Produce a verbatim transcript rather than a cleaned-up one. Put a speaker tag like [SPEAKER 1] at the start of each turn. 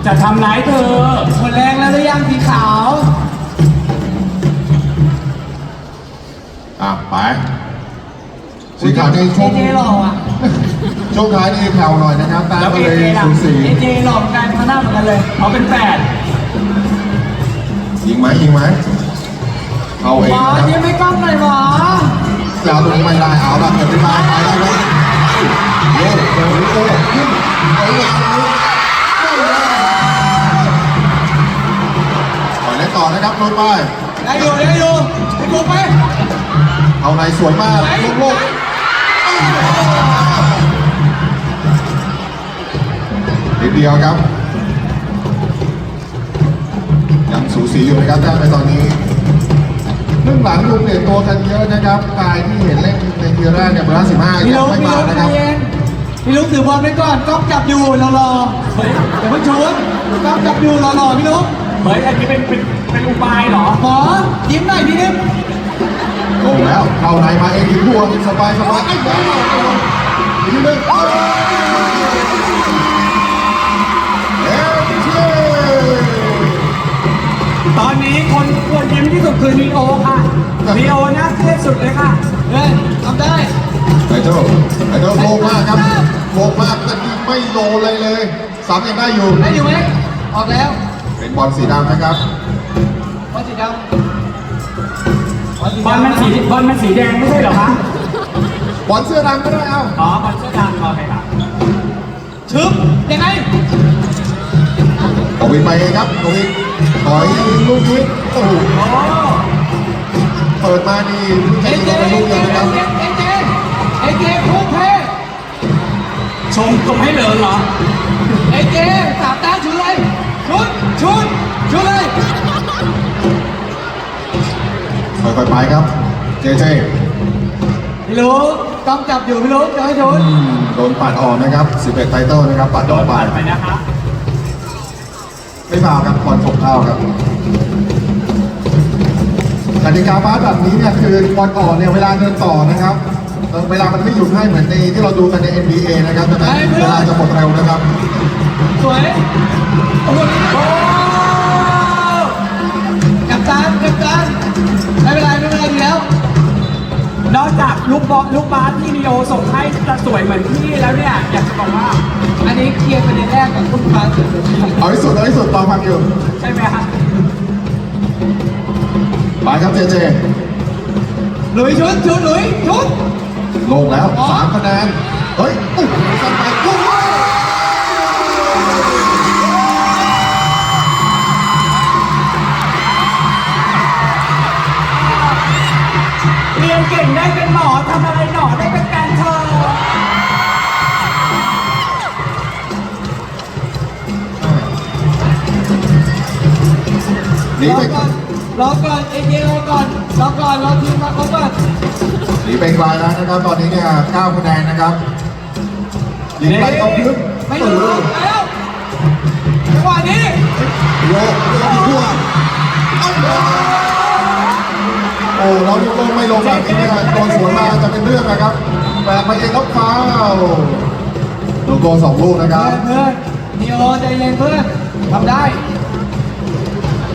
[SPEAKER 1] จะทำร้ายเธอหมดแรงแล้วหรือยังสีขาว
[SPEAKER 2] อ่ะไปสีขาวในช่วง
[SPEAKER 1] เจหล่ออ่ะ
[SPEAKER 2] ช่วงท้ายนี่แผ่วหน่อยนะครับตาม
[SPEAKER 1] แล้ว
[SPEAKER 2] ก็
[SPEAKER 1] เอ
[SPEAKER 2] เลย
[SPEAKER 1] เจล่ะ
[SPEAKER 2] สูสี
[SPEAKER 1] เอเจหล่อเหมือนกันมาหน้าเหมือนกันเลยเขาเป็นแปด
[SPEAKER 2] ยิงไหมยิงไหมเอาเอง
[SPEAKER 1] หมอ
[SPEAKER 2] นะครับ
[SPEAKER 1] ยิ้มไม่กล้องหน่อยหมอ
[SPEAKER 2] แล้วตรงนี้ไม่ได้เอาละเกิดขึ้นมาไปได้ไหมโอ้โหโอ้โหขึ้นเอาเลยต่อเล่นต่อนะครับโดนไป
[SPEAKER 1] ได้อยู่ได้อยู่ไปบุกไป
[SPEAKER 2] เอาในสวยมากโลกโลกนิดเดียวครับยังสูสีอยู่นะครับแต้มในตอนนี้เรื่องหลังดูเปลี่ยนตัวกันเยอะนะครับกายที่เห็นเล่นในทีแรกเนี่ยเบอร์สิบห้า
[SPEAKER 1] พี่
[SPEAKER 2] ยั
[SPEAKER 1] ลุ
[SPEAKER 2] ง
[SPEAKER 1] ง
[SPEAKER 2] ไม่
[SPEAKER 1] พี่
[SPEAKER 2] มา
[SPEAKER 1] ลุง
[SPEAKER 2] นะ
[SPEAKER 1] ใจ
[SPEAKER 2] ครับ
[SPEAKER 1] เย็นพี่ลุงถือบอลไว้ก่อนกล้องจับอยู่รอรอเฮ้ยเดี๋ยวเพิ่งชนกล้องจับอยู่รอรอพี่ลุงเฮ้ยอันนี้เป็นเป็นเป็นอุบายเหรอหมอยิ้มหน่อยพี่นิ่ม
[SPEAKER 2] โอ้แล้วเข้าในมาเองถึงหัวสบายสบายไอ้บ้าอีกทีหนึงเอ้ยเชี่ย
[SPEAKER 1] ตอนนี้คนควรยิ้มที่สุดคือนีโอค่ะนีโอน่าเครียดสุดเลยค่ะเฮ้ยทำได้
[SPEAKER 2] ไอ้เจ้าไอ้เจ้าโลงมากครับโลงมากแต่นี่ไม่โลเลยเลยสามยังได้อยู่
[SPEAKER 1] ได้อยู่ไหมออกแล้ว
[SPEAKER 2] เป็นบอลสีดำนะครับ
[SPEAKER 1] บอลสีดำบอลมันสีบอลมันสีแดงไม่ใช่เหรอคะ
[SPEAKER 2] บอลเสื้อดำก็ได้เอา
[SPEAKER 1] อ๋อบอลเสื้อดำโอเคครับชึบยังไง
[SPEAKER 2] กวินไปเองครับกวินถอยลูกนี้โอ้โห
[SPEAKER 1] โอ้
[SPEAKER 2] เปิดมานี่
[SPEAKER 1] เอ
[SPEAKER 2] เจ๊ง
[SPEAKER 1] เจ
[SPEAKER 2] ลงไปลูกเดียวนะครับ
[SPEAKER 1] เอเจเอเจพุ่งเพชมชมให้เหลิงเหรอเอเจสามแต้มชุดเลยชุดชุดชุดเลย
[SPEAKER 2] ค่อยๆไปครับเจเจ
[SPEAKER 1] พี่ลูกกล้องจับอยู่พี่ลูกจะให้ชุด
[SPEAKER 2] อืมโดนปัดออกนะครับสิบเอ็ดไตเติลนะครับปัดออกไป
[SPEAKER 1] ไปนะครับ
[SPEAKER 2] ไม่ฟาวครับบอลตกเข้าครับกติกาบาสแบบนี้เนี่ยคือบอลออกเนี่ยเวลาเดินต่อนะครับเออเวลามันไม่หยุดให้เหมือนในที่เราดูกันใน เอ็น บี เอ นะครับดังนั้นเวลาจะหมดเร็วนะครับ
[SPEAKER 1] สวยโอ้โหกับจานกับจานไม่เป็นไรไม่เป็นไรดีแล้วนอกจากลูกบอลลูกบาสที่นิโอส่งให้จะสวยเหมือนพี่แล้วเนี่ยอยากจะบอกว่า อันนี้เคลียร์ประเด็นแรกกับลูกบาส
[SPEAKER 2] เอาที่สุดเอาที่สุดต่อพันอยู่
[SPEAKER 1] ใช่ไหมฮะ
[SPEAKER 2] ไปครับเจเจ
[SPEAKER 1] หลุยชุดชุดหลุยชุด
[SPEAKER 2] ลงแล้วสามคะแนนเฮ้ยอุ๊ยสั่นไปลูกนี้
[SPEAKER 1] เรียนเก่งได้เป็นหมอทำอะไรหนอได้เป็นการเธอ
[SPEAKER 2] หนี
[SPEAKER 1] รอ
[SPEAKER 2] ไป
[SPEAKER 1] ก่อนรอก่อนเอเจรอก่อนรอก่อนรอทีมมาครบก่อน
[SPEAKER 2] หนีไปไกลแล้วนะครับตอนนี้เนี่ยเก้าคะแนนนะครับยิงไปตรงพื้น
[SPEAKER 1] ไม่
[SPEAKER 2] ตื่
[SPEAKER 1] รู้
[SPEAKER 2] น
[SPEAKER 1] แล้วจังหวะนี้
[SPEAKER 2] โยกโยกทั่วโอ้เราลงไม่ลงแบบนี้เนี่ยโดนสวนมาจะเป็นเรื่องนะครับแบกมาเองแล้วฟาวลูกโกสองลูกนะครับ
[SPEAKER 1] เพื่อนเพื่อนนีโอใจเย็นเพื่อนทำได้